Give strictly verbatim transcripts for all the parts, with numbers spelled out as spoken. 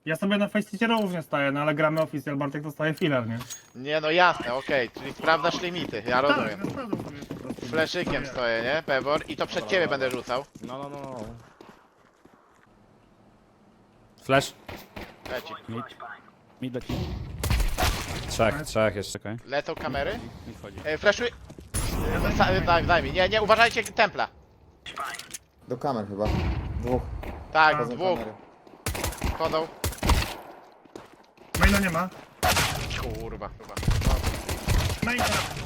Ja sobie na Faceicie różnie staję, no ale gramy Official, Bartek dostaje filar, nie? Nie no jasne, okej, czyli sprawdzasz limity, ja rozumiem. Tak, sprawdzam sobie po prostu. Fleszykiem stoję, nie? Pebor i to przed ciebie będę rzucał. No, no, no, no. Flash. Leci. Mid. Mid leci. Trzech, trzech jeszcze. Czekaj. Lecą kamery. Mid wchodzi. E, Fleszuj. Sa- Tak, daj mi. Nie, nie, uważajcie templa. Do kamer chyba. Dwóch. Tak, Chodzą dwóch. kamery. Chodzą. Maila nie ma. Kurwa, chyba. Maila.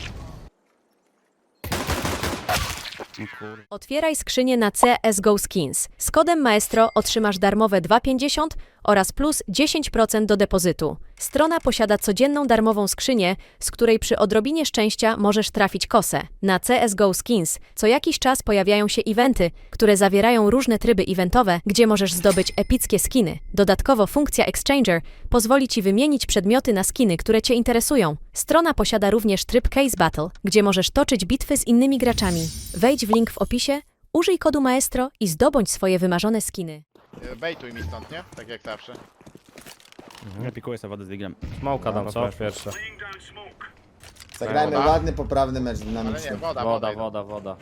No kur... Otwieraj skrzynię na C S G O Skins. Z kodem Maestro otrzymasz darmowe dwa pięćdziesiąt oraz plus dziesięć procent do depozytu. Strona posiada codzienną darmową skrzynię, z której przy odrobinie szczęścia możesz trafić kosę. Na C S G O Skins co jakiś czas pojawiają się eventy, które zawierają różne tryby eventowe, gdzie możesz zdobyć epickie skiny. Dodatkowo funkcja Exchanger pozwoli Ci wymienić przedmioty na skiny, które Cię interesują. Strona posiada również tryb Case Battle, gdzie możesz toczyć bitwy z innymi graczami. Wejdź w link w opisie, użyj kodu Maestro i zdobądź swoje wymarzone skiny. E, Bejtuj mi stąd, nie? Tak jak zawsze. Ja pikuję sobie wodę z diglem. Smoka dam, No, co? proszę. Pierwsze. Zagrajmy Woda? ładny, poprawny mecz Ale nie, dynamiczny. woda, Woda, woda. woda, woda.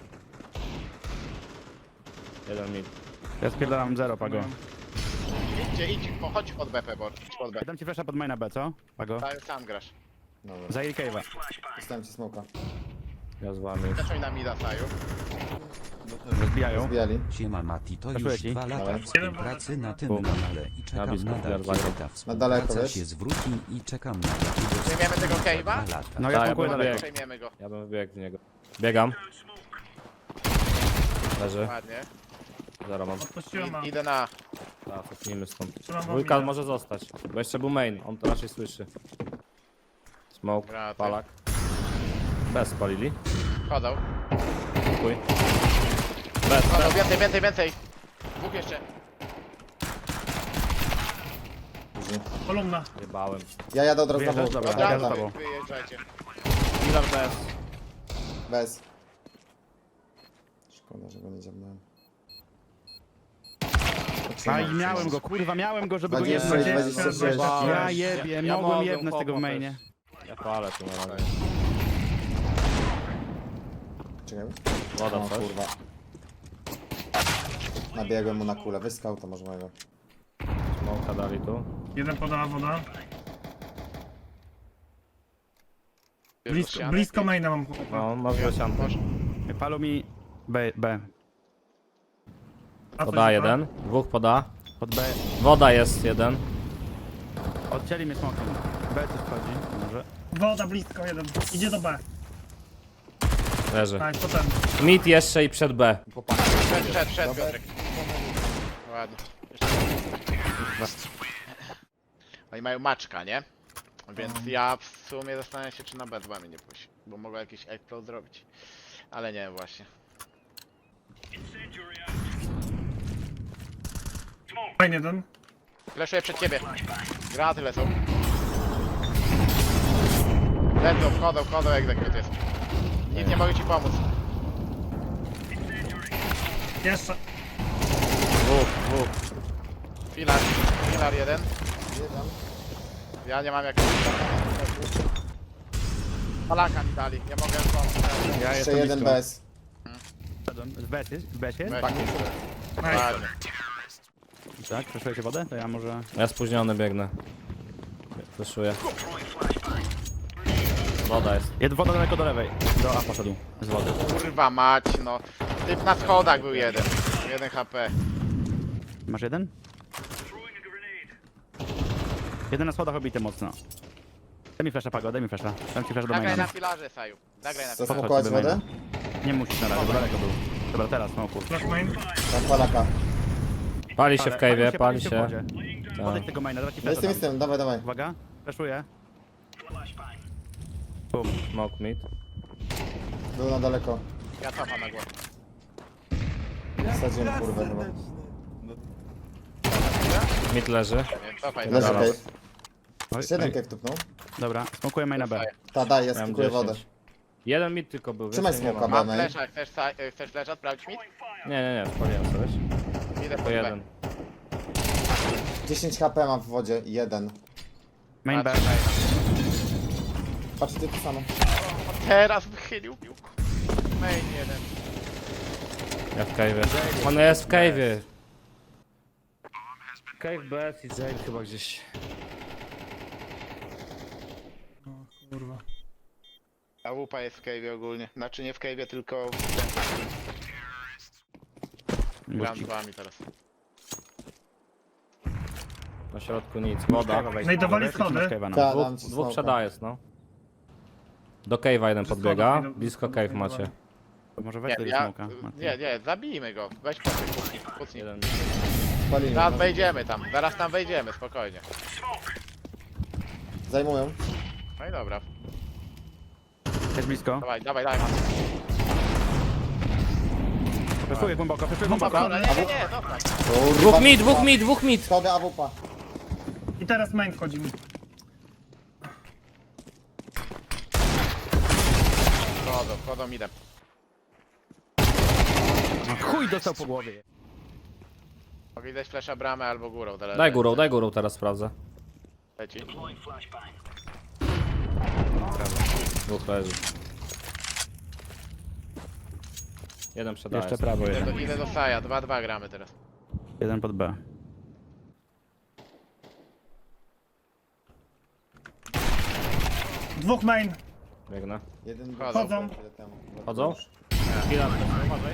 Jeden mid. Ja spierdalam zero, Pago. Idźcie, idź, po- chodź pod B, Pebor. Idź pod B. Dam ci flasha pod maina B, co? Pago? Sam- Sam grasz. Dobra. Za cave'a. Dostałem ci smoka. Ja z wami. Zacząj na mida, Saju. Rozbijają. Zbijali. Siema Mati, to Weszło już ci? dwa lata Dawaj. współpracy na tym Bum. kanale i czekam blisko nadal, zbieram kiedy ta Na daleko, współpraca wiesz? się zwróci i czekam na jakiegoś Przejmiemy tego cave'a? dwa lata. No Tak, ja ja smokuję bym daleko. biegł. Przejmiemy go. Ja bym wybiegł w niego. Biegam. Leży. Ładnie. Zero mam. Odpuściłem mam. I, idę na... Tak, cofnijmy stąd. Trzymam Dwójka mobilę. może zostać, bo jeszcze był main, on to raczej słyszy. Smoke, Graty. palak. Bez spalili. Chodzą. Chuj. Bez, Chodzą, bez. więcej, więcej, więcej. Dwóch jeszcze. Później. Kolumna. Jebałem. Ja jadę od razu na Wyjeżdżasz? wół. Dobra, Od ja razu za wy, tobą. wyjeżdżajcie. Healer bez. Bez. Szkoda, że go nie dziabnąłem. Aj, miałem go, kurwa, miałem go, żeby go dwadzieścia jebnąć. sześć, dwadzieścia sześć. Ja jebie, Ja- ja mogłem mogę jebnąć tego w chłopa mainie. Ja palę tu na razie. Czekaj. Woda O coś. kurwa. Nabiegłem mu na kulę. Weź skauta może mojego. Smoka dali tu. Jeden podała woda. Bierz Blisko, ścianę. blisko maina mam chłopa. No, masz grosiankę. Może. Palu mi B, B. A Poda coś jeden. Dwóch poda. Pod B. Woda jest jeden. Odcięli mnie smokiem. B coś wchodzi, może. Woda blisko jeden. Idzie do B. Leży. Tak, potem. Mid jeszcze i przed B. Przed, przed, przed, Piotrek. Ładnie. Jeszcze. Oni mają maczka, nie? Więc ja w sumie zastanawiam się, czy na B dwa mnie nie pójść. Bo mogę jakiś explode zrobić. Ale nie, właśnie. Main jeden. Fleszuję przed ciebie. Graty lecą. Lecą, wchodzą, wchodzą, egzekut jest. Nic nie mogę ci pomóc. Jeszcze. Dwóch, dwóch. Filar, filar jeden. Ja nie mam jak... Palaka mi dali, ja mogę pomóc. Ja Jeszcze jestem jeden blisko. bez. Z B jest? Z B jest? Weź. Nice. Ładnie. Tak, przeszujecie wodę? To ja może... Ja spóźniony biegnę. Fleszuję. Woda jest. Jest woda daleko do lewej. Do A poszedł. Z wody. Kurwa mać, no. Typ na schodach był jeden. Jeden H P. Masz jeden? Jeden na schodach obity mocno. Daj mi flasha, Pago, daj mi flasha. Dam ci flasha do Zagraj maina. na filarze, Saju. Zagraj na filarze. Zasmokować sobie wodę? Nie musisz na razie, bo daleko był. Dobra, teraz smoku. Flash main. Tam palaka. Pali się w cave'ie, pali w się. wodzie. Tak. Odejdź tego maina, dawaj ci Ja flasha jestem, tam. jestem. Dawaj, dawaj. Uwaga, flashuję. Bum. Smoke mid. Był na daleko. Ja cofam na głowę. Wsadziłem kurwę chyba. Mid leży. Nie, cofaj. Leży Dobra. cave. Oj, Jeszcze jeden oj. cave tupnął. Dobra, smokuję maina B. Ta, daj, ja Miałem skikuję wodę. dziesięć. Jeden mid tylko był. Trzymaj więcej nie smoka, ma. B. Mam flesza, chcesz, sa- e, chcesz flesza, sprawdź mi? Nie, nie, nie, spaliłem coś. Idę po To B. jeden. dziesięć HP ma w wodzie, jeden. Main B. Patrzę, main. Patrz, ty to samo. Teraz wychylił. Main jeden. Ja w cave'ie. On jest w cave'ie. Cave B S i Jail chyba gdzieś. Kurwa. A łupa jest w cave'ie ogólnie. Znaczy nie w cave'ie, tylko gram z wami teraz. Na środku nic. Woda. Znajdowali schody. Ta, Dwóch, dam ci dwóch smoka. przeda jest, no. Do cave'a jeden Przy podbiega. schodach idą- Blisko cave macie. Może Nie, weź tego ja, smoka. Mati. nie, nie, zabijmy go. Weź po kucnij, kucnij. Jeden. Spalimy. Zaraz no. wejdziemy tam, zaraz tam wejdziemy, spokojnie. Zajmują. No i dobra. Jest blisko. Dawaj, dawaj, dawaj. Maciek. Wyszuję głęboko, wyszuję No głęboko. dobra. Nie, nie, nie, dobra. Dwóch mid, dwóch mid, dwóch mid! Schody A W P. I teraz main wchodzi mi. Wchodzą, wchodzą, idę. Chuj dostał po głowie. Mogę dać flesza bramę albo górą. zależy. Daj górą, daj górą teraz sprawdzę. Leci. Dwóch leży. Jeden przeda Jeszcze jest. prawo Idę jeden. do, idę do Saja, dwa dwa gramy teraz. Jeden pod B. Dwóch main. Biegnę. Jeden Wchodzą. chwilę temu. Chodzą? Chwila, uważaj.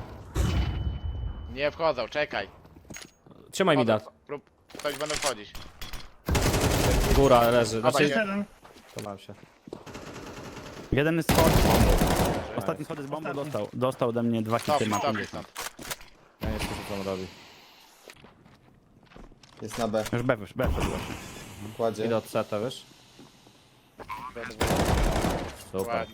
Nie wchodzą, czekaj. Trzymaj mi da. Wchodzą, prób, ktoś będą wchodzić. Góra leży. Dawaj, Znaczy, Jeszcze jeden. trzymam się. Jeden jest schod. Ostatni schody z bombą Ostatni. dostał. Dostał ode mnie dwa Stop, hity, ma stop, pięćdziesiąt. stop. Ja nie wiem co on robi. Jest na B. Już B, już B wszedł właśnie. Kładzie. Idę od seta, wiesz? Super. Ładnie.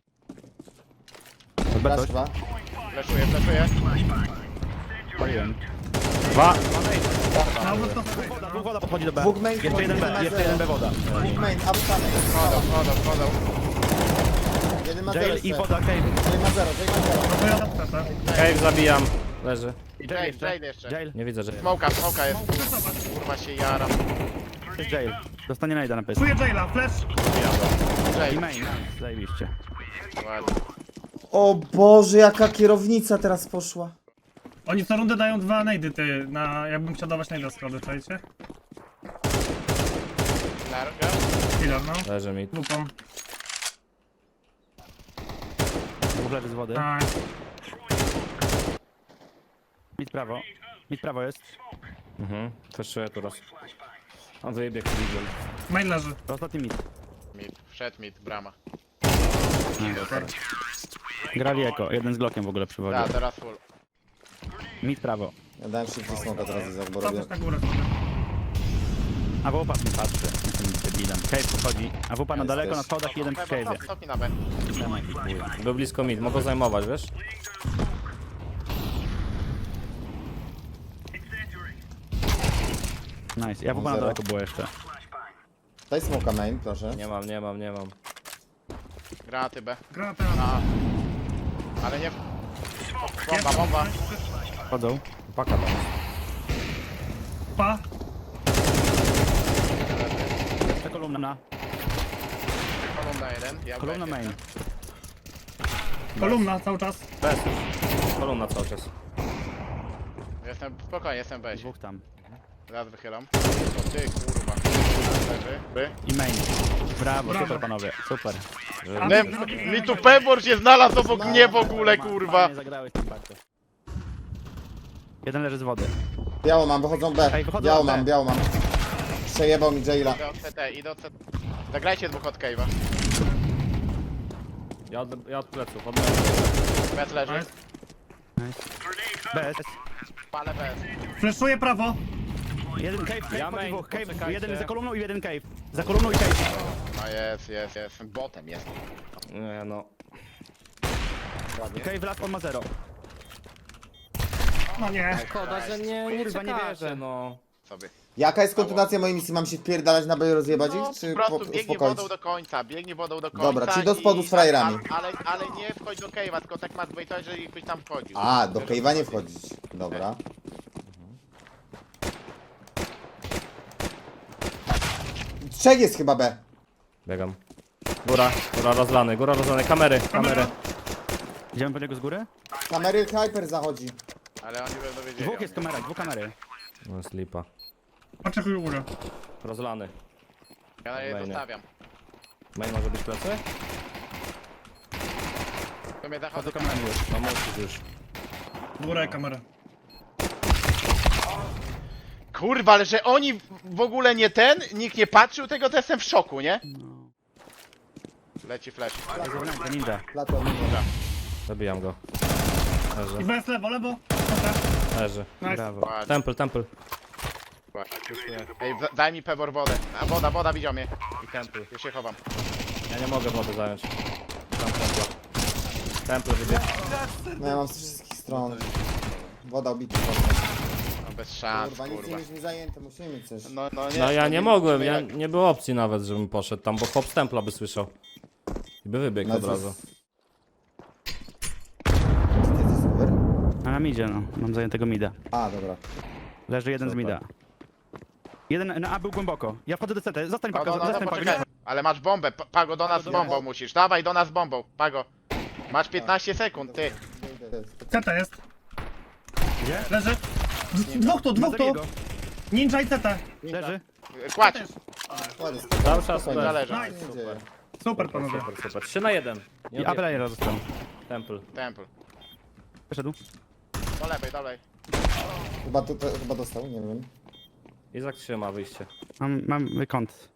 Pod B Flash coś? dwa. Fleszuję, fleszuję. Paliłem. Dwa! No, bo to Dwóch woda podchodzi do B. Dwóch main Jeszcze jeden B, wchodzi, jeszcze jeden jeden B woda. Dwóch main, A W P main. Wchodzą, wchodzą, wchodzą. Jeden ma zero Jail i jeszcze. woda cave. Jail ma zero, Jail ma zero. no to ja do peta. Cave zabijam. Leży. I Jail Jail, jeszcze. Jail jeszcze. Jail. Nie widzę, że... Smoka, smoka jest. Kurwa się jaram. Jest Jail. Dostanie najda na pysk. Czuję Jaila, flash. I Jail. main. Zajebiście. Ładnie. O Boże, jaka kierownica teraz poszła. Oni co rundę dają dwa najdy, ty, na... jakbym chciał dawać najda schody, czajcie? Larga. Killer, no. Leży mi. Lupą. Dwóch leży z wody. Tak. Mid prawo. Mid prawo jest. Mhm. Flashuję tu raz. On wyjebie Cleveland. Main leży. To ostatni mid. Mid, wszedł mid, brama. Grali eko. Jeden z Glockiem w ogóle przywodził. Da, teraz full. Mid prawo. Ja dałem szybki smoka teraz, Izak, bo robię. Patrz na górę sobie. A wupa mi patrzy. Jestem debilem. Cave podchodzi. A wupa na Jest daleko, też. na schodach i jeden w Stop, cave'ie. stop, stop mi na B. Był blisko mid, mogą zajmować, wiesz? Nice. Ja wupa na Zero. daleko było jeszcze. Daj smoka main, proszę. Nie mam, nie mam, nie mam. Granaty B. Granata. A. Ale nie... Bomba, bomba. Chodzą. Paka tam. Pa. Jeszcze kolumna. Kolumna jeden. Ja Kolumna B. main. Kolumna cały czas. Bez. Kolumna cały czas. Jestem, spokojnie, jestem B. Dwóch tam. Zaraz wychylam. O ty kurwa. Leży. By. I main. Brawo, Brawo. super panowie. Super. A Ne, mi- mi tu Pebor się znalazł obok mnie w ogóle, kurwa. Fajnie zagrałeś tym baktem. Jeden leży z wody. Biało mam, wychodzą B. Ej, wychodzą Biało B. mam, biało mam. Przejebał mi Jaila. Idę od C T, idę od C T. Zagrajcie dwóch od Cave'a. Ja od, ja od pleców, od lewej. Bez leży. Nice. Nice. Bez. Palę bez. Flashuję prawo. Jeden cave, cave, Ja ja main, dwóch. Cave, poczekajcie. jeden za kolumną i jeden cave. Za kolumną i cave. No jest, jest, jest. Botem jest. Nie no. Cave last, on ma zero. No nie. Szkoda, że nie, nie Kurwa, nie czekacie, wierzę. no. Sobie. Jaka jest kontynuacja mojej misji? Mam się wpierdalać na B i rozjebać No, ich, czy po prostu po- biegnie uspokoić? wodą do końca, biegnie wodą do końca. Dobra, czyli do spodu i- z frajerami. Ale, ale nie wchodź do Cave'a, tylko tak masz wejść, jeżeli byś tam wchodził. A, do Wiesz, Cave'a nie o co chodzi. wchodzić. Dobra. Trzech jest chyba B. Biegam. Góra, góra rozlany, góra rozlany, kamery, kamery. Idziemy po niego z góry? Kamery Hyper zachodzi. Ale oni będą wiedzieli. Dwóch o jest mnie. kamera, dwóch kamery. No jest lipa. Oczekuj górę. Rozlany. Ja na jej Fajnie. zostawiam. Main może być plecy? To mnie A zachodzę. to kamerami już. No musisz już. Góra i kamera. Kurwa, ale że oni w ogóle nie ten, nikt nie patrzył tego, to jestem w szoku, nie? No. Leci flash. Jest zewnętrzny, ninja. Platon. Zabijam go. I Leży, B jest lewo, lewo. Dobra. leży. Nice. Brawo. Ładnie, Temple, temple. ładnie. Ej, w- daj mi pewor wodę. A woda, woda widział mnie. I temple. Już się chowam. Ja nie mogę wody zająć. Tam temple. Temple wybieg. No ja mam z wszystkich stron. Woda ubita. No bez szans, Kurwa, nic nie kurwa. mieliśmy zajęte, musimy mieć coś. No, no, nie, No ja to nie mogłem, musimy ja, jak- nie było opcji nawet, żebym poszedł tam, bo chłop z templa by słyszał. I by wybiegł No od co- razu. Czy ty jesteś super? A nam idzie, no. Mam zajętego mida. A, dobra. Leży jeden z Super. mida. Jeden na A był głęboko. Ja wchodzę do C T. Zostań No, Pago, no, no, no, zostań poczekaj. Pago. Ale masz bombę, Pa- Pago do nas z do bombą nas. musisz. Dawaj do nas z bombą, Pago. Masz piętnaście sekund, ty. C T jest. Gdzie? Leży. D- Dwóch tu, Ma dwóch tu. drugiego. Ninja i C T. Leży. Kładź. Ładnie, Cały czas spokojnie. Zależy. Nic się nie dzieje. Super panowie. Super, super. trzy na jeden. Nie I A odjechał. player został. Temple. Temple. Wyszedł. Do lewej, dalej. Chyba, to, to, chyba dostał, nie wiem. Izak trzyma wyjście. Mam, mam kąt.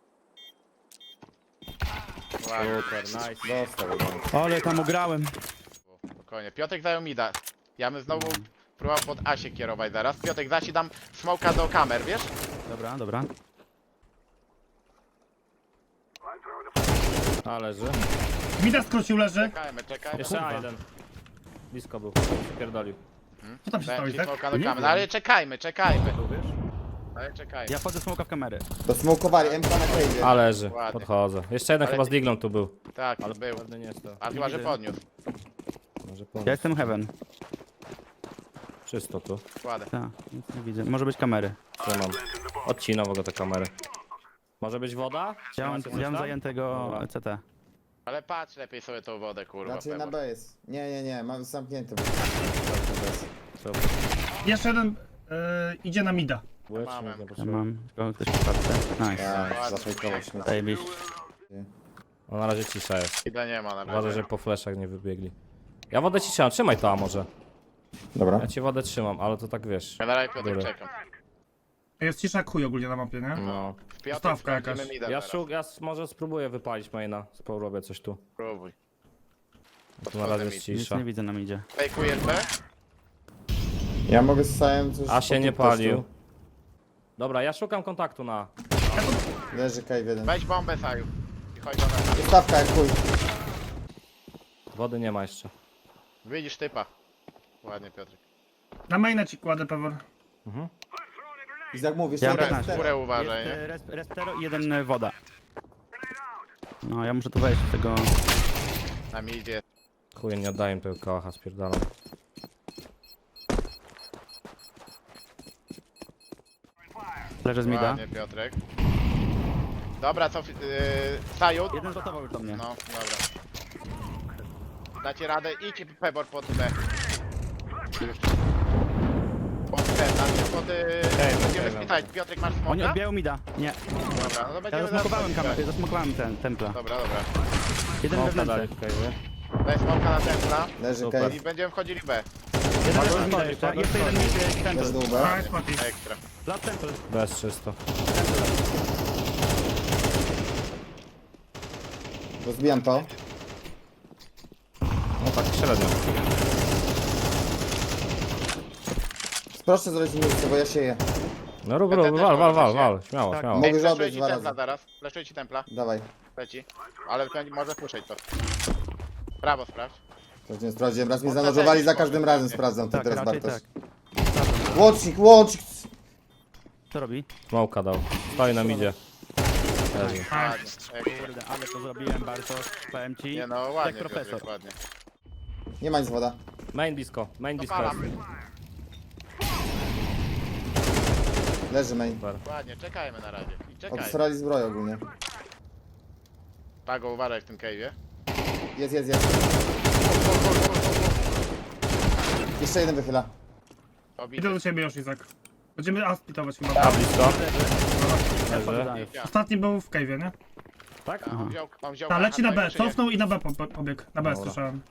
Ładnie. Super, nice. Dostał. Ale tam ugrałem. Spokojnie. Piotrek zajął mida. Ja bym znowu próbował pod A się kierować zaraz. Piotrek, zasi dam smoka do kamer, wiesz? Dobra, dobra. A leży. Mida skrócił, leży. Czekajmy, czekajmy. Jeszcze A jeden. Blisko był. Pierdolił. Co tam się stało, Dałem ci Izak? smoka do Nie kamer. wiem. No, ale czekajmy, czekajmy. Tu wiesz? Ale czekajmy. Ja wchodzę smoka w kamery. Dosmokowali, M K na cave'ie. A leży. Ładnie. Podchodzę. Jeszcze jeden Ale- chyba z diglą tu był. Tak, Ale był. pewnie nie jest to. A chyba, że widzę. podniósł. Może Ja pomóc. jestem heaven. Czysto tu. Kładę. Tak, nic nie widzę. Może być kamery. Trzymam. Odcinam w ogóle te kamery. Może być woda? Ja mam, Macie coś ja mam tam? zajętego Dobra. C T. Ale patrz lepiej sobie tą wodę, kurwa. Znaczy na Pewor. B jest. Nie, nie, nie, mam zamknięty. Super. Jeszcze jeden y, idzie na mida. Łycznie, Mamy. nie Ja potrzebuję. mam tylko ktoś w kartce. Nice. Tak, zafejkował śmieć. Zajebiście. No na razie cisza jest. Ida nie ma na Uważaj, razie. że po fleszach nie wybiegli. Ja wodę ci trzymam, trzymaj to a może. Dobra. Ja ci wodę trzymam, ale to tak wiesz. Ja na razie Piotrek Dobra. czekam. Jest cisza jak chuj ogólnie na mapie, nie? No. W Piotrek Stawka jakaś. wchodzimy mida Ja, teraz. szuk, ja s- może spróbuję wypalić maina. Spróbuję coś tu. Próbuj. Tu na razie jest Nic Nic cisza. nie widzę, nam idzie. Fejkujesz B? Ja mogę z Sajem coś... A się po nie tym testu. palił. Dobra, ja szukam kontaktu na. Leży cave jeden. Weź bombę, Saju. I chodź do nas. Stawka jak chuj. Wody nie ma jeszcze. Widzisz typa. Ładnie, Piotrek. Na maina ci kładę pewor. I jak mówisz, Ja jeden piętnaście. cztery. Górę uważaj, Jest nie? e, res, respero i jeden e, woda. No, ja muszę tu wejść z tego... Na mi idzie. Chuj, nie oddaję im tego kałacha, spierdalam. Leżę z mida. Ładnie, Piotrek. Dobra, co... Yy, Saju? Jeden zlotował już do mnie. No, dobra. Dacie radę, idź Pebor pod B. Pod B, znaczy pod... Yy, będziemy okej, spytać. Piotrek, masz Oni smoka? odbijają mida. Nie. Dobra, no to będziemy Ja zasmokowałem zaraz- kamerę, zasmokowałem ten templa. Dobra, dobra. Jeden Smoka dali wewnętrzny. w cave'ie. Daj smoka na templa Leży Super. cave. i będziemy wchodzili B. Jeden leży z mida stoi, jeszcze. Pago Jeszcze jeden stoi. mid e, Leży temple. dół B. Nice, Mati. Ekstra. Last temple. Bez czysto. Rozbijam to. No tak średnio. Proszę zrobić miejsce, bo ja sieję. No rób, Ja rób, też wal, wal, mogę wal, się. wal. Śmiało, Tak. śmiało. Mogę Ej, żaden fleszuję ci dwa templa razy. zaraz. Fleszuję ci templa. Dawaj. Leci. Ale będzie- może słyszeć to. Prawo sprawdź. Sprawdziłem, sprawdziłem. Raz mnie Można zanurowali, też za każdym może, razem nie? sprawdzam. To Tak, teraz raczej Bartosz. tak. Łącznik, łącznik! Co robi? Smoka dał. Stoi na midzie. Leży. Ładnie. Ekstra. Kurde, ale to zrobiłem Bartosz. Powiem ci. Nie no, Jak ładnie, profesor. Piotrek, ładnie. Nie ma nic woda. Main disco, main disco jest. Dopalam. Leży main. Ładnie, czekajmy na razie. I czekajmy. Obstrali zbroję ogólnie. Pago, uważaj w tym cave'ie. Jest, jest, jest. Jeszcze jeden wychyla. Obity. Idę do ciebie już, Izak. Będziemy A splitować chyba. A blisko. Leży. Ostatni był w cave'ie, nie? Tak? A, on wziął, on wziął Ta, leci na B, czy nie? cofnął i na B po, po, pobiegł. Na B Dobra. słyszałem.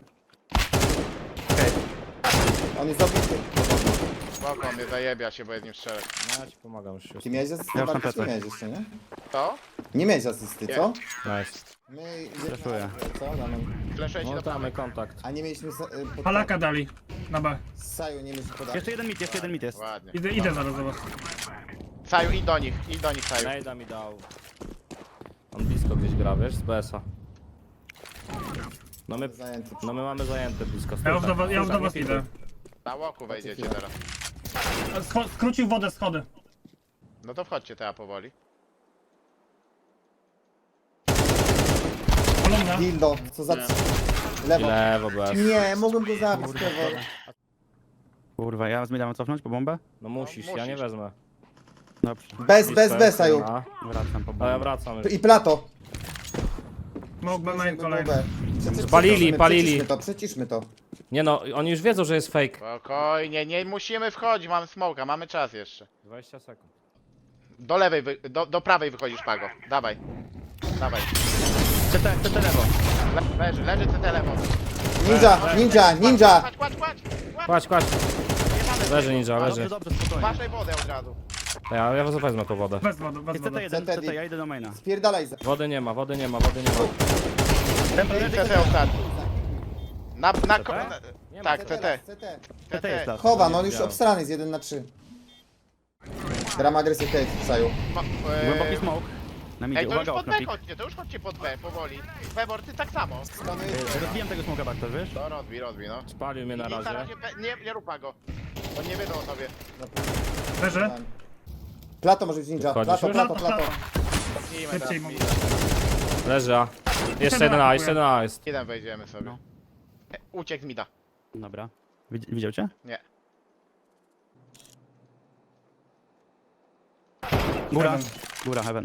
On jest dobity. Spoko, mnie zajebia się, bo jest nim strzelać. No ja ci pomagam już. Ty miałeś asystę? Ja już na Bartosz, nie plecach. miałeś jeszcze, nie? To? Nie miałeś asysty, co? Nice. My idziemy Stresuję. na- co? Damian? Fleszuję ci No do prawej. damy kontakt. A nie mieliśmy sa- y, pod... Palaka dali. Na B. Saju, nie mieliśmy podać. Jeszcze jeden mit, jeszcze jeden mit jest. Ładnie. Idę, idę zaraz do was. Saju, idź do nich, idź do nich, Saju. Nejda mi dał. On blisko gdzieś gra, wiesz, z B S a. No my, Zajęty. no my mamy zajęte blisko. Ja już Stój do tak, was, ja już stój do tak, was nie idę. filtruj. Na łoku wejdziecie chwilę. teraz. Scho- skrócił wodę, schody. No to wchodźcie teraz powoli. Kolumna. Dildo, co za... Nie. I Lewo. lewo B S. Nie, mogłem go zabić, Trevor. Kurwa, ja z mida mam cofnąć po bombę? No musisz, No, ja nie musisz. wezmę. Dobrze. Bez, bez, bez, Saju. A, Wracam po a ja bombę. wracam już. I Plato. Mógł B main kolejny. B. Przecież- Spalili, przeciszmy, palili. Przeciszmy to, przeciszmy to. Nie no, oni już wiedzą, że jest fake. Spokojnie, nie musimy wchodzić, mamy smoka, mamy czas jeszcze. dwadzieścia sekund. Do lewej, wy, do, do prawej wychodzisz, Pago. Dawaj. Dawaj. C T, C T lewo. Le, leży, leży C T lewo. Ninja, ninja, ninja! Kładź, kładź, kładź! kładź. Kładź, kładź. Nie mamy Leży ninja, Dobrze, leży. dobrze, spokojnie. Waszej wodę od razu. Ja, ja wezmę tą wodę. Bez wody, bez Jest C T wody. jeden, C T, C T, ja idę do maina. Spierdalaj za... Wody nie ma, wody nie ma, wody nie ma. C T ostatni. Na, na, ko- C T? na, Nie ma. tak, C T. C T. C T jest las. Chowa, no on już obstrany jest jeden na trzy. Gram agresję cave, Saju. Ma, Głęboki e, smoke. Na midzie, Ej, to już uwaga, pod okno B pik. chodźcie, to już chodźcie pod B, powoli. Febor, ty tak samo. Ej, Rozbijam tego smoka Bartosz, wiesz? To rozbij, rozbij, no. Spalił mnie na I na razie. razie B, nie, nie rupa go. Bo nie wiedzą o tobie. Leży. Plato może być ninja. Wchodzisz Plato, już? plato, plato. Cofnijmy Szybciej teraz. mogę. Leży A. Jeszcze jeden A, jeszcze jeden A jest. Jeden wejdziemy sobie. No. E, uciekł z mida. Dobra. Widz- Widział cię? Nie. Góra. Heaven. Góra, heaven.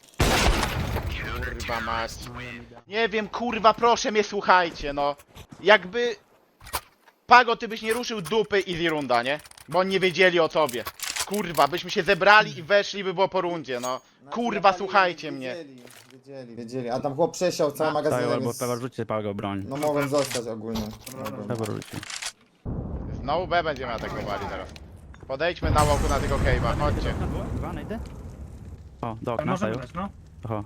Kurwa mać. Nie wiem, kurwa, proszę mnie słuchajcie, no. Jakby... Pago, ty byś nie ruszył dupy easy runda, nie? Bo oni nie wiedzieli o tobie. Kurwa, byśmy się zebrali i weszli, by było po rundzie, no. Kurwa, słuchajcie mnie. Wiedzieli, wiedzieli, wiedzieli. A tam chłop przesiał cały Na- magazyn. Saju albo więc- Pewor, rzućcie pago broń. No mogłem zostać ogólnie. Mogłem. Pewor rzuci. Znowu B będziemy atakowali teraz. Podejdźmy na łoku na tego cave'a, chodźcie. Dwa, najdę? O, do okna, Może Saju. wydać, no. Oho.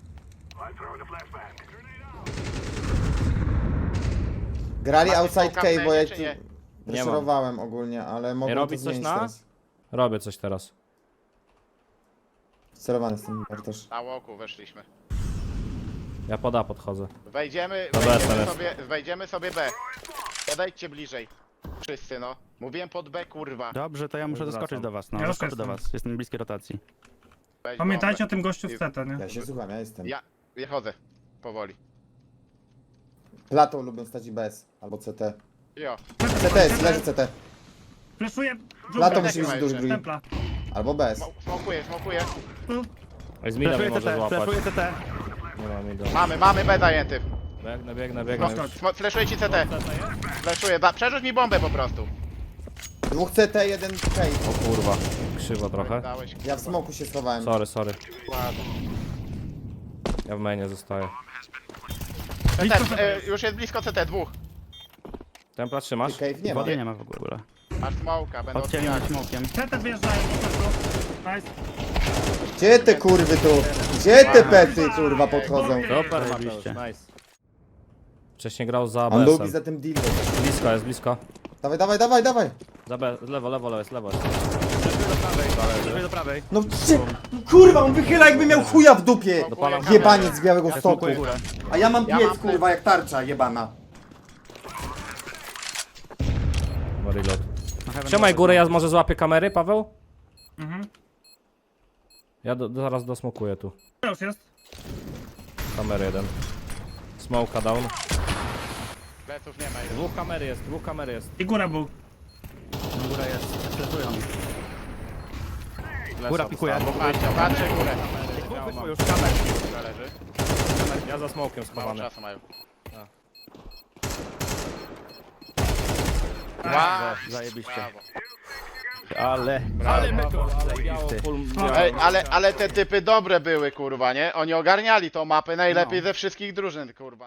Grali Macie outside smoka w cave, bo ja mainie, tu czy nie? preszerowałem ogólnie, ale mogłem to robić coś zmienić na? teraz. Robię coś teraz. Sterowany jestem, Bartosz. Na łoku weszliśmy. Ja pod A podchodzę. Wejdziemy, Dobra, wejdziemy teraz. sobie, wejdziemy sobie B. Podejdźcie bliżej. Wszyscy, no. Mówiłem pod B, kurwa. Dobrze, to ja muszę Wracam. doskoczyć do was, no. Ja już Doskoczę do jestem. was. Jestem bliskiej rotacji. Weź Pamiętajcie o bombę. tym gościu w C T, nie? Ja się słucham, ja jestem. Ja, ja chodzę. Powoli. Plato lubię stać i bez, albo C T. Jo. C T jest, leży C T. Fleszuję. Plato Dżungla, musi być dżungla duży jeszcze. drugi. Templa. Albo bez. Smo- Smokuję, smokuję. Oj, z mida mnie Flashuję może C T, złapać. flashuję C T. Nie ma mida. Mamy, mamy B zajęty. Biegnę, biegnę, biegnę. Chodź, już. Smo- Fleszuję ci C T. Fleszuję, da, przerzuć mi bombę po prostu. Dwóch C T, jeden cave. O kurwa. Krzywo trochę. Dałeś, Ja w smoku się schowałem. Sorry, sorry. ładnie. Ja w mainie zostaję. C T, e, już jest blisko C T, dwóch. Templa trzymasz? Cave nie ma. Wody nie ma w ogóle. Masz smoka, będą Odcięli odbijać. smokiem. C T wjeżdżają po prostu. Nice. Gdzie te kurwy tu? Gdzie te pety kurwa podchodzą? Super, Zajebiście. Mateusz, nice. Wcześniej grał za On lubi B S-em. za tym dildo. Blisko jest, blisko. Dawaj, dawaj, dawaj, dawaj. Za B, lewo, lewo, lewo jest, lewo jest. Flashuję do prawej. No gdzie? Kurwa, on wychyla jakby miał chuja w dupie. Dopalam Jebaniec z Białego Stoku. Smokuję górę. A ja mam Ja piec mam kurwa jak tarcza jebana. No, reload. Na heaven Trzymaj wodę. górę, ja może złapię kamery, Paweł? Mhm. Ja do, do, zaraz dosmokuję tu. To już jest. Kamery jeden. Smoka down. Pleców nie ma już. Dwóch kamery jest, dwóch kamery jest. I góra był. Góra jest. Flashują. Flesza Góra pikuje. dostałem. Patrzcie, patrzcie górę. Ja mam- Już kamer. Góra leży. Ja za smokiem Mało schowany. czasu mają. Brawo, zajebiście. Brawo. Ale... Ale my Brawo. to biało, full, biało. Ej, ale, ale te typy dobre były, kurwa, nie? Oni ogarniali tą mapę najlepiej No. ze wszystkich drużyn, kurwa.